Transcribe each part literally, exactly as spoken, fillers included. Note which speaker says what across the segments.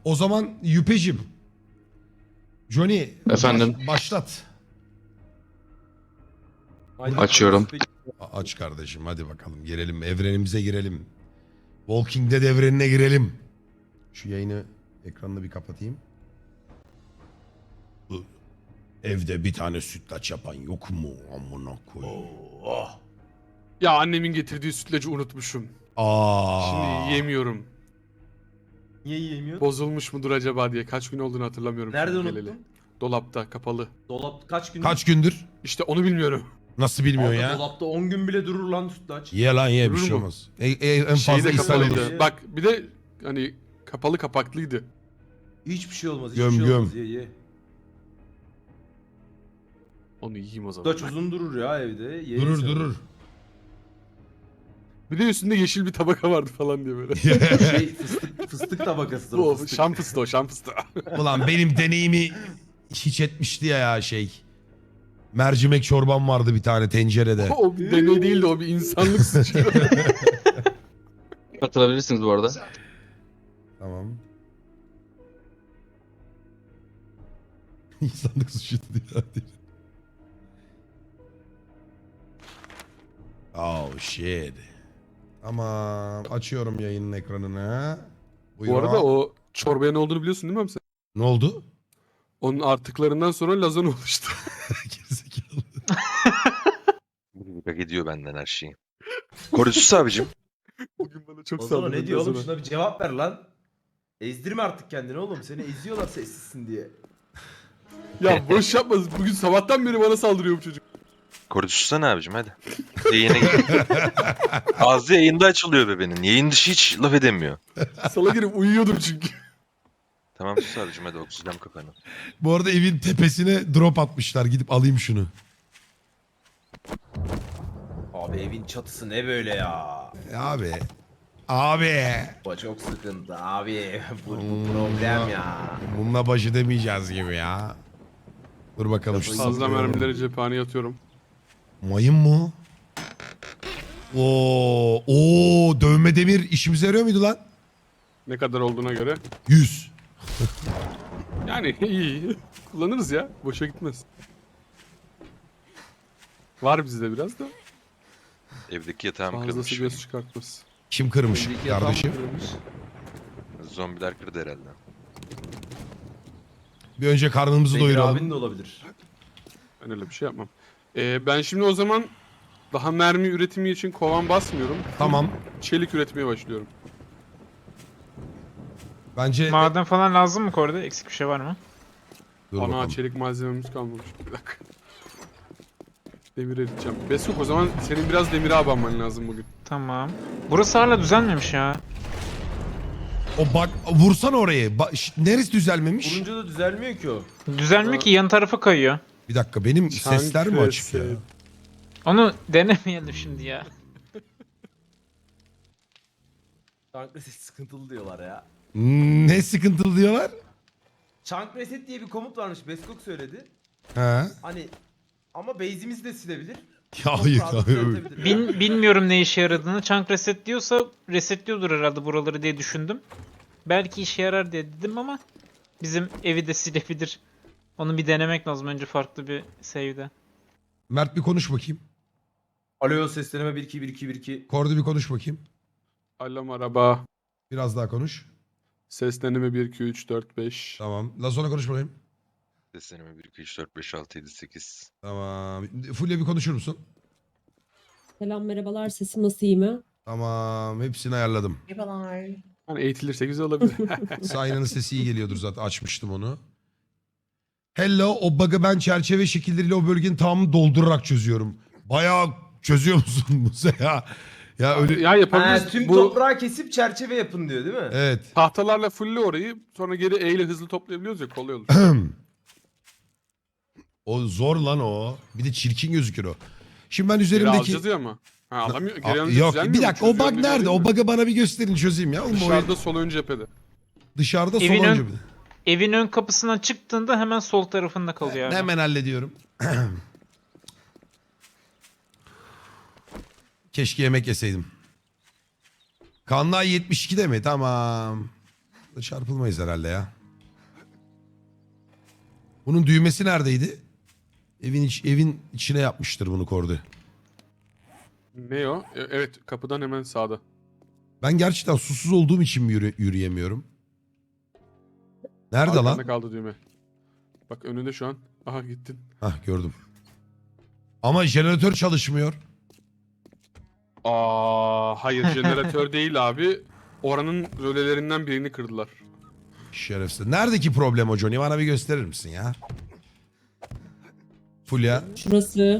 Speaker 1: O zaman Yüpeciğim. Johnny.
Speaker 2: Efendim?
Speaker 1: baş- başlat.
Speaker 2: Açıyorum.
Speaker 1: A- Aç kardeşim hadi bakalım girelim. Evrenimize girelim. Walking Dead evrenine girelim. Şu yayını ekranını bir kapatayım. Bu evde bir tane sütlaç yapan yok mu? Amına koyayım.
Speaker 3: Ya annemin getirdiği sütlacı unutmuşum.
Speaker 1: Aa.
Speaker 3: Şimdi yiyemiyorum.
Speaker 4: Niye yiyemiyor?
Speaker 3: Bozulmuş mudur acaba diye. Kaç gün olduğunu hatırlamıyorum.
Speaker 4: Nerede
Speaker 3: şimdi
Speaker 4: unuttun?
Speaker 3: geleli. Dolapta, kapalı.
Speaker 4: Dolap kaç gün?
Speaker 1: Kaç gündür?
Speaker 3: İşte onu bilmiyorum.
Speaker 1: Nasıl bilmiyor
Speaker 4: Abi
Speaker 1: ya?
Speaker 4: Dolapta on gün bile durur lan sütlaç.
Speaker 1: Ye lan ye bir
Speaker 3: Durur
Speaker 1: şey
Speaker 3: mu?
Speaker 1: olmaz. E, e, en
Speaker 3: Şey
Speaker 1: fazla
Speaker 3: de
Speaker 1: ishal
Speaker 3: kapalıydı.
Speaker 1: olur.
Speaker 4: olur.
Speaker 3: Bak bir de hani kapalı kapaklıydı.
Speaker 4: Hiçbir şey olmaz. Hiçbir
Speaker 1: Göm,
Speaker 4: şey
Speaker 1: göm.
Speaker 4: olmaz. Ye ye.
Speaker 3: Onu yiyeyim o zaman.
Speaker 4: Sütlaç uzun durur ya evde. Ye
Speaker 1: Durur
Speaker 4: sen.
Speaker 1: durur.
Speaker 3: Bir de üstünde yeşil bir tabaka vardı falan diye böyle.
Speaker 4: Şey fıstık, fıstık tabakasıdır o
Speaker 3: o
Speaker 4: fıstık.
Speaker 3: şam fıstığı o şam fıstığı.
Speaker 1: Ulan benim deneyimi hiç etmişti ya, ya şey. Mercimek çorbam vardı bir tane tencerede.
Speaker 3: o bir deney değildi o bir insanlık suçu.
Speaker 2: Katılabilirsiniz bu arada.
Speaker 1: Tamam. İnsanlık suçu diyor. Oh shit. Tamam. Açıyorum yayının ekranını. Buyur
Speaker 3: Bu arada
Speaker 1: abi.
Speaker 3: o çorbaya ne olduğunu biliyorsun değil mi abi sen?
Speaker 1: Ne oldu?
Speaker 3: Onun artıklarından sonra lazan oluştu.
Speaker 1: Gerizekalı.
Speaker 5: Hak ediyor benden her şeyi. Korusuz abicim.
Speaker 3: Bugün bana çok
Speaker 4: O zaman
Speaker 3: saldırdı
Speaker 4: ne diyor oğlum?
Speaker 3: lazana.
Speaker 4: Şuna bir cevap ver lan. Ezdirme artık kendini oğlum. Seni eziyorlar sessizsin diye.
Speaker 3: Ya boş yapma. Bugün sabahtan beri bana saldırıyor bu çocuk.
Speaker 5: Korusuzsana abicim hadi. Yayına gir. Ağzı yayında açılıyor bebenin. Yayın dışı hiç laf edemiyor.
Speaker 3: Sala girip uyuyordum çünkü.
Speaker 5: Tamam sus abicim hadi oksijen kafanı.
Speaker 1: Bu arada evin tepesine drop atmışlar. Gidip alayım şunu.
Speaker 4: Abi evin çatısı ne böyle ya?
Speaker 1: E abi. Abi.
Speaker 4: Bu çok sıkıntı abi. bu, bu problem ya.
Speaker 1: Bununla baş edemeyeceğiz gibi ya. Dur bakalım şu
Speaker 3: Fazla
Speaker 1: sıkıyorum.
Speaker 3: mermileri cephaneye atıyorum.
Speaker 1: Mayın mı? Oo, oo, dövme demir işimize yarıyor muydu lan?
Speaker 3: Ne kadar olduğuna göre.
Speaker 1: yüz.
Speaker 3: Yani iyi. Kullanırız ya. Boşa gitmez. Var bizde biraz da.
Speaker 5: Evdeki yatağım
Speaker 3: Fazlası
Speaker 5: kırılmış.
Speaker 3: göz çıkartmaz.
Speaker 1: Kim kırmış
Speaker 4: Önceki yatağım
Speaker 1: kardeşim?
Speaker 4: kırılmış.
Speaker 5: Zombiler kırdı herhalde.
Speaker 1: Bir önce karnımızı
Speaker 4: Bekir
Speaker 1: doyuralım.
Speaker 4: abin de olabilir.
Speaker 3: Ben öyle bir şey yapmam. Ee, ben şimdi o zaman daha mermi üretimi için kovan basmıyorum.
Speaker 1: Tamam.
Speaker 3: Çelik üretmeye başlıyorum.
Speaker 1: Bence...
Speaker 6: Maden falan lazım mı Korda? Eksik bir şey var mı?
Speaker 1: Dur
Speaker 3: Ana
Speaker 1: bakalım.
Speaker 3: çelik malzememiz kalmamış. Bir dakika. Demir eriteceğim. Besuk o zaman senin biraz demire abanman lazım bugün.
Speaker 6: Tamam. Burası hala düzelmemiş ya.
Speaker 1: O bak vursana orayı. Ba- ş- neresi düzelmemiş?
Speaker 4: Vurunca da düzelmiyor ki o.
Speaker 6: Düzelmiyor ki yan tarafa kayıyor.
Speaker 1: Bir dakika benim sesler mi açık ya?
Speaker 3: Çankreset.
Speaker 6: Onu denemeyelim şimdi ya.
Speaker 4: Chunk reset sıkıntılı diyorlar ya.
Speaker 1: Ne sıkıntılı diyorlar?
Speaker 4: Chunk reset diye bir komut varmış. Beskok söyledi.
Speaker 1: He.
Speaker 4: Hani ama base'imizi de silebilir.
Speaker 1: Ya
Speaker 4: Çok
Speaker 1: hayır
Speaker 4: rahat
Speaker 1: hayır.
Speaker 4: düzeltebilir.
Speaker 6: Bin, bilmiyorum ne işe yaradığını. Chunk reset diyorsa resetliyordur herhalde buraları diye düşündüm. Belki işe yarar diye dedim ama bizim evi de silebilir. Onu bir denemek lazım önce farklı bir save'de.
Speaker 1: Mert bir konuş bakayım.
Speaker 4: Alo sesleneme bir iki bir iki bir iki.
Speaker 1: Kordu bir konuş bakayım.
Speaker 3: Alo merhaba.
Speaker 1: Biraz daha konuş.
Speaker 3: Sesleneme bir iki üç dört beş.
Speaker 1: Tamam. Lazona konuş bakayım.
Speaker 5: Sesleneme bir, iki, üç, dört, beş, altı, yedi, sekiz.
Speaker 1: Tamam. Fulya bir konuşur musun?
Speaker 7: Selam merhabalar, sesim nasıl, iyi mi?
Speaker 1: Tamam. Hepsini ayarladım.
Speaker 7: Merhabalar.
Speaker 3: Hani eğitilirse güzel olabilir.
Speaker 1: Sayna'nın sesi iyi geliyordur zaten. Açmıştım onu. Hello. O bug'ı ben çerçeve şekilleriyle o bölgenin tamamını doldurarak çözüyorum. Bayağı çözüyor musun Musa ya? Ya öyle...
Speaker 3: ya
Speaker 4: Ha,
Speaker 3: yapabiliriz.
Speaker 4: tüm
Speaker 3: Bu
Speaker 4: toprağı kesip çerçeve yapın diyor değil mi?
Speaker 1: Evet.
Speaker 3: tahtalarla fulle orayı sonra geri E ile hızlı toplayabiliyoruz ya kolay olur.
Speaker 1: O zor lan o. Bir de çirkin gözükür o. Şimdi ben
Speaker 3: Geri
Speaker 1: üzerimdeki...
Speaker 3: alacağız ya ama. Ha alamıyor.
Speaker 1: Aa,
Speaker 3: Geri alınca
Speaker 1: yok
Speaker 3: düzelmiyor
Speaker 1: bir
Speaker 3: mu?
Speaker 1: dakika o bug
Speaker 3: Çözüyorum
Speaker 1: nerede?
Speaker 3: demiyor
Speaker 1: O
Speaker 3: değil mi?
Speaker 1: bug'ı bana bir gösterin çözeyim ya. Oğlum, o
Speaker 3: Dışarıda sol ön cephede.
Speaker 1: dışarıda sol
Speaker 6: Evin
Speaker 1: önce
Speaker 6: ön-
Speaker 1: bir de.
Speaker 6: Evin ön kapısından çıktığında hemen sol tarafında kalıyor abi.
Speaker 1: Hemen hallediyorum. Keşke yemek yeseydim. Kanlı ay yetmiş ikide mi? Tamam. Da çarpılmayız herhalde ya. Bunun düğmesi neredeydi? Evin iç, evin içine yapmıştır bunu Kordi.
Speaker 3: Ne o? E, evet kapıdan hemen sağda.
Speaker 1: Ben gerçekten susuz olduğum için mi yürü- yürüyemiyorum? Nerede
Speaker 3: Arkanda
Speaker 1: lan?
Speaker 3: kaldı düğme. Bak önünde şu an. Aha gittin.
Speaker 1: Hah gördüm. Ama jeneratör çalışmıyor.
Speaker 3: Aa hayır jeneratör değil abi. Oranın rölelerinden birini kırdılar.
Speaker 1: Şerefsiz. Neredeki problem o Johnny? Bana bir gösterir misin ya? Fulya.
Speaker 7: Şurası.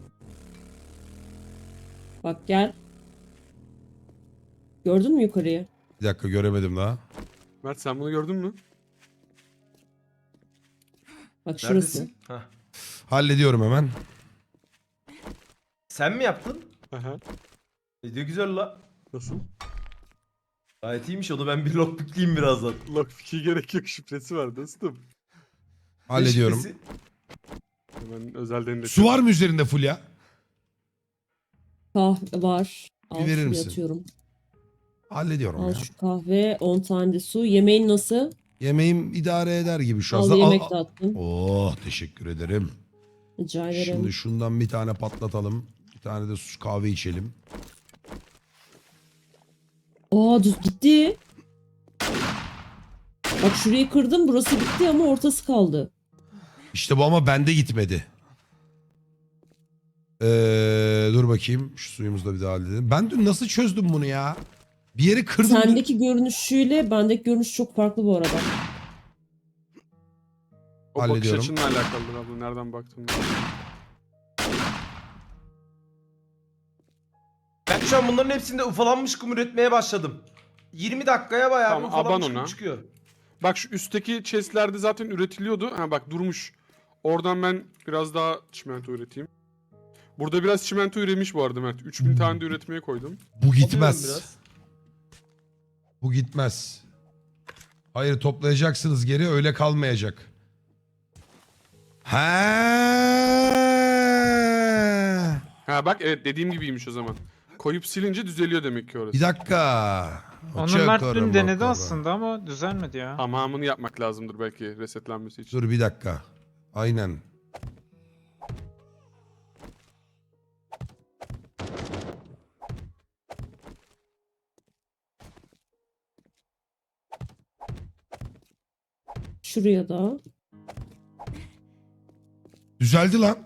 Speaker 7: Bak gel. Gördün mü yukarıyı?
Speaker 1: Bir dakika göremedim daha.
Speaker 3: Mert sen bunu gördün mü?
Speaker 7: Bak şurası.
Speaker 4: Neredesin? Hah.
Speaker 1: Hallediyorum hemen.
Speaker 4: Sen mi yaptın?
Speaker 3: Aha.
Speaker 4: Ne diyor güzel la.
Speaker 3: Nasıl?
Speaker 4: Gayet iyiymiş onu ben bir lockpickleyeyim birazdan.
Speaker 3: Lockpick'e gerek yok şifresi var dostum.
Speaker 1: Hallediyorum.
Speaker 4: Ne şifresi?
Speaker 3: Hemen özelden de.
Speaker 1: Su var mı üzerinde Fulya?
Speaker 7: Kahve var. Al
Speaker 1: Bir verir
Speaker 7: şuraya
Speaker 1: misin?
Speaker 7: atıyorum.
Speaker 1: Hallediyorum
Speaker 7: Al
Speaker 1: ya.
Speaker 7: şu kahve. on tane de su. Yemeğin nasıl?
Speaker 1: Yemeğim idare eder gibi şu
Speaker 7: Al
Speaker 1: anda.
Speaker 7: yemek
Speaker 1: Al-
Speaker 7: de attım.
Speaker 1: Oh teşekkür ederim.
Speaker 7: Rica ederim.
Speaker 1: Şimdi şundan bir tane patlatalım. Bir tane de su kahve içelim.
Speaker 7: Aa düz gitti. Bak şurayı kırdım. Burası gitti ama ortası kaldı.
Speaker 1: İşte bu ama bende gitmedi. Ee, dur bakayım. Şu suyumuzu da bir daha halledelim. Ben dün nasıl çözdüm bunu ya? Bir yeri kırdım.
Speaker 7: Sendeki görünüşüyle bendeki görünüş çok farklı bu arada.
Speaker 3: O bakış
Speaker 1: Hallediyorum.
Speaker 3: açınla alakalıdır abla nereden baktın.
Speaker 4: Ben şu an bunların hepsinde ufalanmış kum üretmeye başladım. yirmi dakikaya bayağı
Speaker 3: Tamam,
Speaker 4: bir ufalanmış
Speaker 3: aban
Speaker 4: kum
Speaker 3: ona.
Speaker 4: çıkıyor.
Speaker 3: Bak şu üstteki chestlerde zaten üretiliyordu. Ha bak durmuş. Oradan ben biraz daha çimento üreteyim. Burada biraz çimento üremiş bu arada Mert. üç bin tane de üretmeye koydum.
Speaker 1: Bu
Speaker 4: Alıyorum
Speaker 1: gitmez.
Speaker 4: biraz.
Speaker 1: Bu gitmez. Hayır toplayacaksınız geri öyle kalmayacak. He.
Speaker 3: Ha bak evet dediğim gibiymiş o zaman. Koyup silince düzeliyor demek ki orası.
Speaker 1: Bir dakika.
Speaker 6: Onu Mert
Speaker 1: Çakarım
Speaker 6: dün denedi
Speaker 1: bakalım.
Speaker 6: aslında ama düzelmedi ya.
Speaker 3: Tamamını yapmak lazımdır belki resetlenmesi için.
Speaker 1: Dur bir dakika. Aynen.
Speaker 7: Şuraya da.
Speaker 1: Düzeldi lan.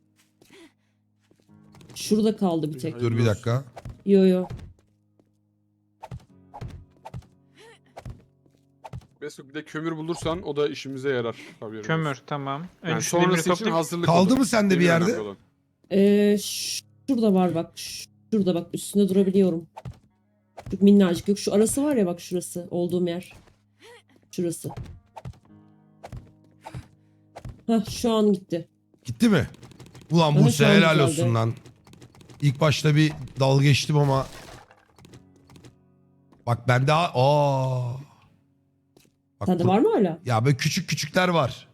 Speaker 7: Şurada kaldı bir tek.
Speaker 1: Dur bir dakika.
Speaker 7: Yo yo.
Speaker 3: Mesut bir de kömür bulursan o da işimize yarar. Tabii
Speaker 6: Kömür tamam. Önce
Speaker 3: Yani
Speaker 6: şu demiri
Speaker 3: sonrası için
Speaker 6: toplayıp
Speaker 3: hazırlık
Speaker 1: Kaldı
Speaker 3: olur.
Speaker 1: mı sende bir
Speaker 3: Demir
Speaker 1: yerde?
Speaker 3: önemli olan.
Speaker 7: Ee, şurada var bak. Şurada bak üstünde durabiliyorum. Çok minnacık yok. Şu arası var ya bak şurası. Olduğum yer. Şurası. Hah şu an gitti.
Speaker 1: Gitti mi? Ulan
Speaker 7: Aha,
Speaker 1: Buse
Speaker 7: şu an
Speaker 1: helal
Speaker 7: güzeldi.
Speaker 1: olsun lan. İlk başta bir dalga geçtim ama. Bak ben daha... Aa. Bak
Speaker 7: Sende
Speaker 1: bu-
Speaker 7: var mı hala?
Speaker 1: Ya böyle küçük küçükler var.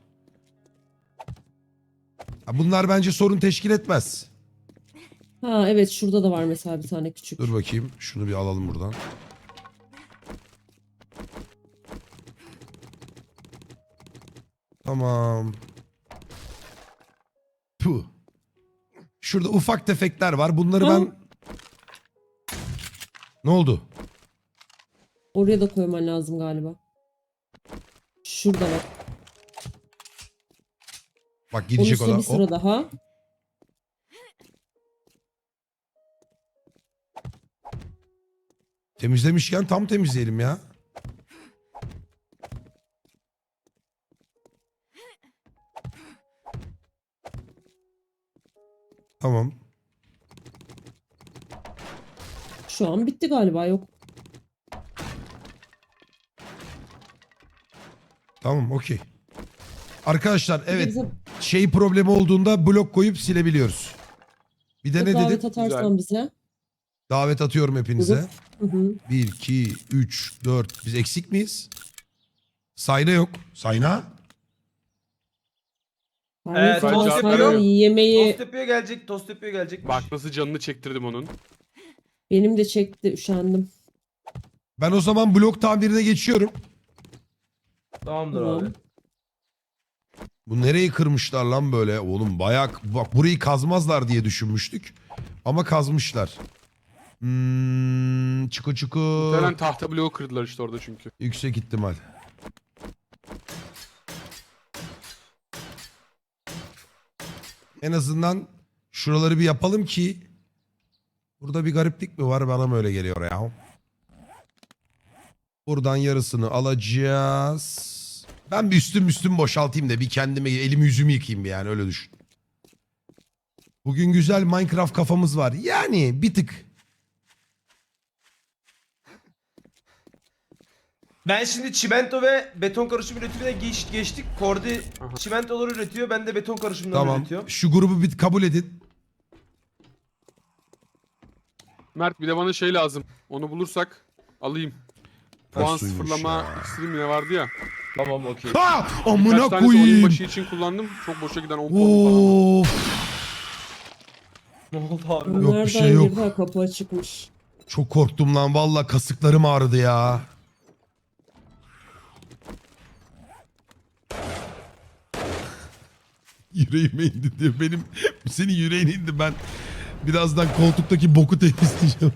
Speaker 1: Ya bunlar bence sorun teşkil etmez.
Speaker 7: Ha evet şurada da var mesela bir tane küçük.
Speaker 1: Dur bakayım. Şunu bir alalım buradan. Tamam. Puh. Şurada ufak tefekler var. Bunları
Speaker 7: Ha.
Speaker 1: ben... Ne oldu?
Speaker 7: Oraya da koyman lazım galiba. Şurada bak.
Speaker 1: Bak
Speaker 7: Onun
Speaker 1: gidecek o
Speaker 7: üstüne
Speaker 1: da.
Speaker 7: bir sıra
Speaker 1: Hop.
Speaker 7: daha.
Speaker 1: Temizlemişken tam temizleyelim ya. Tamam.
Speaker 7: Şu an bitti galiba yok.
Speaker 1: Tamam okey. Arkadaşlar
Speaker 7: Bir de
Speaker 1: evet
Speaker 7: bize
Speaker 1: şey problemi olduğunda blok koyup silebiliyoruz. Bir de
Speaker 7: bir
Speaker 1: ne
Speaker 7: davet
Speaker 1: dedim?
Speaker 7: atarsan bize.
Speaker 1: Davet atıyorum hepinize.
Speaker 7: Hı hı.
Speaker 1: bir, iki, üç, dört. Biz eksik miyiz? Sayna yok. Sayna?
Speaker 7: Hayır,
Speaker 4: Evet,
Speaker 7: falan
Speaker 3: tost
Speaker 7: sonra
Speaker 3: yapıyor.
Speaker 7: yemeği
Speaker 4: Tost yapıyor gelecek, tost yapıyor gelecek.
Speaker 3: Bak nasıl canını çektirdim onun.
Speaker 7: benim de çekti üşendim.
Speaker 1: Ben o zaman blok tamirine geçiyorum.
Speaker 4: Tamamdır
Speaker 7: Tamam.
Speaker 4: abi.
Speaker 1: Bu nereyi kırmışlar lan böyle? Oğlum bayağı bak burayı kazmazlar diye düşünmüştük. Ama kazmışlar. Hmm, çuku çuku.
Speaker 3: Muhtemelen tahta bloğu kırdılar işte orada çünkü.
Speaker 1: Yüksek ihtimal. En azından şuraları bir yapalım ki burada bir gariplik mi var bana mı öyle geliyor ya. Buradan yarısını alacağız. Ben bir üstüm üstüm boşaltayım da bir kendime elimi yüzümü yıkayayım bir yani öyle düşün. Bugün güzel Minecraft kafamız var. Yani bir tık.
Speaker 4: Ben şimdi çimento ve beton karışım üretimine geç, geçtik. Kordi
Speaker 3: Aha.
Speaker 4: çimentoları üretiyor. Ben de beton karışımları
Speaker 1: Tamam.
Speaker 4: üretiyorum.
Speaker 1: Şu grubu bir kabul edin.
Speaker 3: Mert bir de bana şey lazım. Onu bulursak alayım. Puan
Speaker 1: suymuş
Speaker 3: sıfırlama
Speaker 1: ya.
Speaker 3: iksirim ne vardı ya.
Speaker 4: Tamam okey.
Speaker 1: Ha!
Speaker 3: Birkaç
Speaker 1: Amına
Speaker 3: tanesi oyun
Speaker 1: koyayım.
Speaker 3: başı için kullandım. Çok boşa giden on puan falan.
Speaker 1: Of.
Speaker 4: Ne oldu abi?
Speaker 1: Yok, bir
Speaker 7: Nereden
Speaker 1: şey yok.
Speaker 7: girdi? Ha, kapı açıkmış.
Speaker 1: Çok korktum lan. Valla kasıklarım ağrıdı ya. Yüreğime indi diyor. Benim senin yüreğine indi. Ben birazdan koltuktaki boku temizleyeceğim.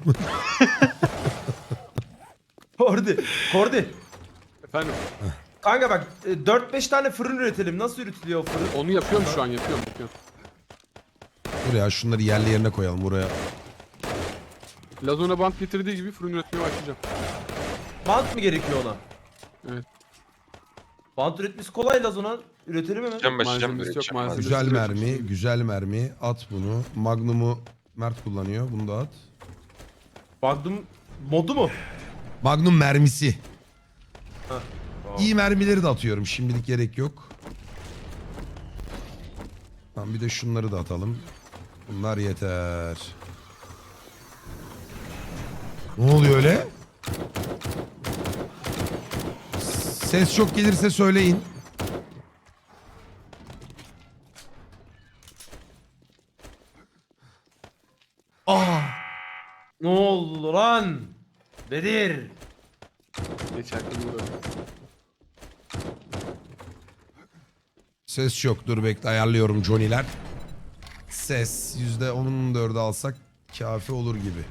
Speaker 4: Kordi. Kordi.
Speaker 3: Efendim
Speaker 4: Kanka bak dört beş tane fırın üretelim. Nasıl üretiliyor o fırın?
Speaker 3: onu yapıyorum şu an yapıyorum yapıyorum.
Speaker 1: Buraya şunları yerli yerine koyalım buraya.
Speaker 3: Lazona bant getirdiği gibi fırın üretmeye başlayacağım.
Speaker 4: Bant mı gerekiyor ona?
Speaker 3: Evet.
Speaker 4: Bant üretmesi kolay Lazona. Üretelim hemen.
Speaker 5: Can başlayacağım
Speaker 3: Malzemesi yok,
Speaker 5: üreteceğim.
Speaker 3: malzemesi.
Speaker 1: Güzel
Speaker 3: üretmek
Speaker 1: mermi,
Speaker 3: istiyorum.
Speaker 1: güzel mermi. At bunu. Magnum'u Mert kullanıyor. Bunu da at.
Speaker 4: Magnum modu mu?
Speaker 1: Magnum mermisi.
Speaker 4: Ha, tamam.
Speaker 1: İyi mermileri de atıyorum. Şimdilik gerek yok. Tamam bir de şunları da atalım. Bunlar yeter. Ne oluyor öyle? Ses çok gelirse söyleyin. Aa!
Speaker 4: Ne oldu lan? Bedir.
Speaker 3: Geçerken uğradım.
Speaker 1: Ses yok. Dur bekle ayarlıyorum Johnny'ler. Ses yüzde onun dördü alsak kafi olur gibi.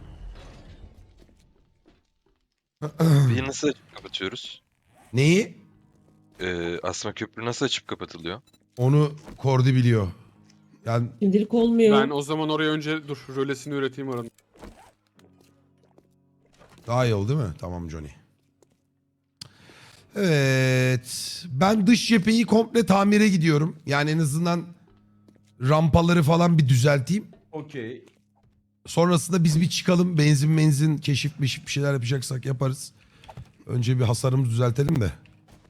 Speaker 5: Bir nasıl açıp kapatıyoruz?
Speaker 1: Neyi?
Speaker 5: Ee, asma köprü nasıl açıp kapatılıyor?
Speaker 1: Onu Kordi biliyor. Yani
Speaker 7: Şimdilik olmuyor.
Speaker 3: Ben o zaman oraya önce dur rölesini üreteyim oranın.
Speaker 1: daha iyi oldu değil mi? Tamam Johnny. Evet. Ben dış cepheyi komple tamire gidiyorum. Yani en azından rampaları falan bir düzelteyim.
Speaker 4: Okey.
Speaker 1: Sonrasında biz bir çıkalım. Benzin benzin keşif meşif bir şeyler yapacaksak yaparız. Önce bir hasarımızı düzeltelim de.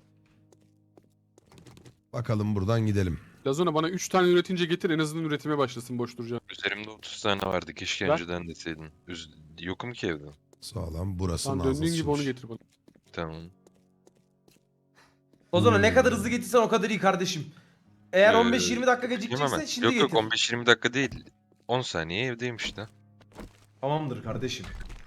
Speaker 1: Bakalım buradan gidelim.
Speaker 3: Lazona bana üç tane üretince getir en azından üretime başlasın boş duracağım.
Speaker 5: Üzerimde otuz tane vardı. Keşke
Speaker 3: Ver.
Speaker 5: önceden deseydin. Üz Yokum ki evde.
Speaker 1: Sağlam. Burası
Speaker 3: Tamam döndüğün gibi onu
Speaker 1: nazlısıymış.
Speaker 3: getir bana.
Speaker 5: Tamam.
Speaker 4: O zaman ne
Speaker 1: Hmm.
Speaker 4: kadar hızlı getirsen o kadar iyi kardeşim. Eğer
Speaker 5: Ee,
Speaker 4: on beş yirmi dakika
Speaker 5: Yapayım
Speaker 4: gecikecekse
Speaker 5: hemen.
Speaker 4: şimdi
Speaker 5: Yok
Speaker 4: getir.
Speaker 5: yok on beş yirmi dakika değil. on saniye evdeyim işte.
Speaker 4: Tamamdır kardeşim.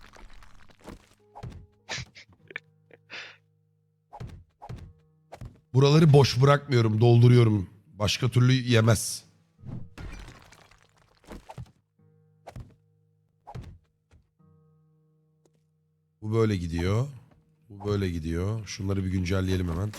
Speaker 1: Buraları boş bırakmıyorum. Dolduruyorum. Başka türlü yemez. Bu böyle gidiyor. Bu böyle gidiyor. Şunları bir güncelleyelim hemen.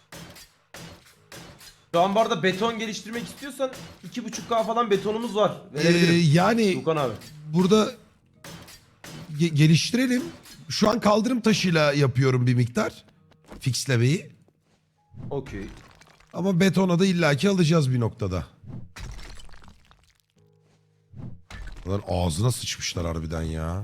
Speaker 4: Şu an bu arada beton geliştirmek istiyorsan iki buçuk K falan betonumuz var.
Speaker 1: Ee,
Speaker 4: Verebilirim.
Speaker 1: yani
Speaker 4: Tukan abi.
Speaker 1: burada ge- geliştirelim. Şu an kaldırım taşıyla yapıyorum bir miktar. Fixlemeyi.
Speaker 4: Okey.
Speaker 1: Ama betona da illaki alacağız bir noktada. Bunlar ağzına sıçmışlar harbiden ya.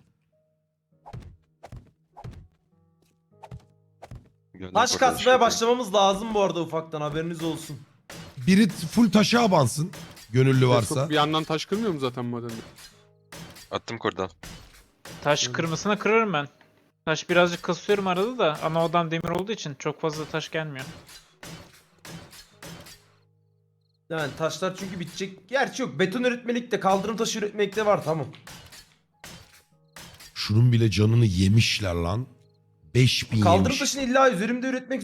Speaker 5: Gönlüm
Speaker 4: Taş
Speaker 5: portalı
Speaker 4: kasmaya
Speaker 5: şöyle.
Speaker 4: başlamamız lazım bu arada ufaktan haberiniz olsun.
Speaker 1: Biri full taşa abansın. Gönüllü varsa.
Speaker 3: Çok bir yandan taş kırmıyor mu zaten madende?
Speaker 5: Attım kordan.
Speaker 6: Taş kırmasına kırarım ben. Taş birazcık kasıyorum arada da ana odam demir olduğu için çok fazla taş gelmiyor.
Speaker 4: Yani taşlar çünkü bitecek. Gerçi yok. Beton üretmelikte, kaldırım taşı üretmelikte var tamam.
Speaker 1: Şunun bile canını yemişler lan. beş bin
Speaker 4: Kaldırım
Speaker 1: yemiş.
Speaker 4: taşını illa üzerimde üretmek